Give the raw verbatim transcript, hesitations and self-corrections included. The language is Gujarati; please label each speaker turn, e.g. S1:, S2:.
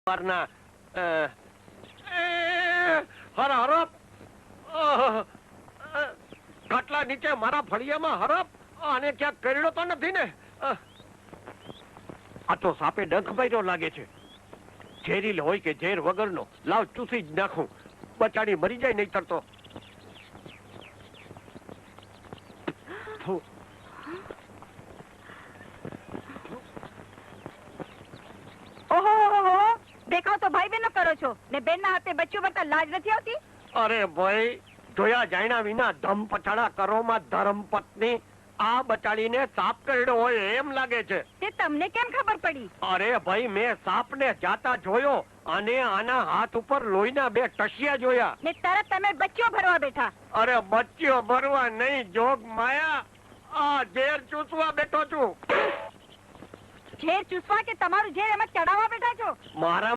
S1: ના હર હરપ ખાટલા નીચે મારા ફળિયામાં હરપ આને ક્યાંક કરડ્યો તો નથી ને? આ તો સાપે ડંખ માર્યો લાગે છે. ઝેરીલ હોય કે ઝેર વગરનો, લાવ ચૂસી જ નાખું, બચાડી મરી જાય નહીં તરતો.
S2: ઓહો, દેખાવ તો ભાઈ બહેનો કરો છો ને બેન ના હાથે બચ્ચું બનતા લાજ નથી આવતી?
S1: અરે ભાઈ, જોયા જાણ્યા વિના ધમ પછાડા કરોમાં ધર્મ પત્ની આ બચાડીને સાપ કરડ્યો હોય એમ લાગે છે.
S2: તે તમને કેમ ખબર પડી?
S1: અરે ભાઈ, મેં સાપને જાતા જોયો અને આના હાથ ઉપર લોહીના બે ટસિયા જોયા
S2: ને તરત તમે બચ્ચો ભરવા બેઠા.
S1: અરે બચ્ચીઓ ભરવા નહીં, જોગ માયા, આ ઝેર ચૂસવા બેઠો છું.
S2: ઝેર ચૂસવા કે તમારું ઝેર એમાં ચડાવવા બેઠા છો?
S1: મારા